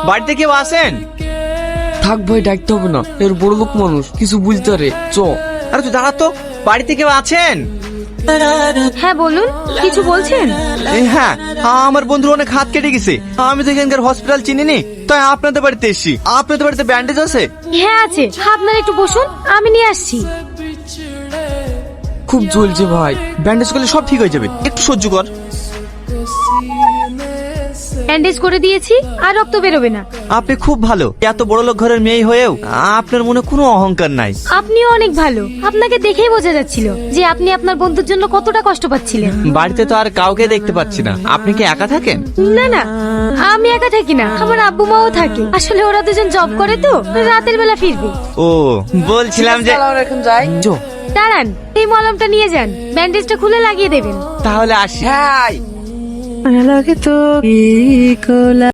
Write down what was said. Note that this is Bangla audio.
বাড়িতে কেউ আছেন? থাক ভাই, ডাকতে হবে না, এর বড় লোক মানুষ কিছু বুঝতে পারে। আরে তুই দাঁড়া তো, বাড়িতে কেউ আছেন? হ্যাঁ বলুন, কিছু বলছেন? হ্যাঁ, আমার বন্ধুর অনেক হাত কেটে গেছে। আমি তো এখানকার হসপিটাল চিনিনি, তাই আপনাদের বাড়িতে এসেছি। আপনাদের বাড়িতে ব্যান্ডেজ আছে? হ্যাঁ আছে, আপনারা একটু বসুন, আমি নিয়ে আসছি। খুব জ্বলছে ভাই। ব্যান্ডেজ করলে সব ঠিক হয়ে যাবে, একটু সহ্য কর। ব্যান্ডেজ করে দিয়েছি, আর রক্ত বেরোবে না। আপনি খুব ভালো, এত বড় লোক ঘরের মেয়ে হয়েও আপনার মনে কোনো অহংকার নাই। আপনিও অনেক ভালো, আপনাকে দেখেই বোঝা যাচ্ছিল যে আপনি আপনার বন্ধুর জন্য কতটা কষ্ট পাচ্ছিলেন। বাড়িতে তো আর কাউকে দেখতে পাচ্ছি না, আপনি কি একা থাকেন? না না, আমি একা থাকি না, আমার আব্বু মাও থাকে। আসলে ওরা দুজন জব করে তো, রাতের বেলা ফিরবে। ও, বলছিলাম যে এখন যাই। দাঁড়ান, এই মলমটা নিয়ে যান, ব্যান্ডেজটা খুলে লাগিয়ে দেবেন। তাহলে আসি। হ্যাঁ।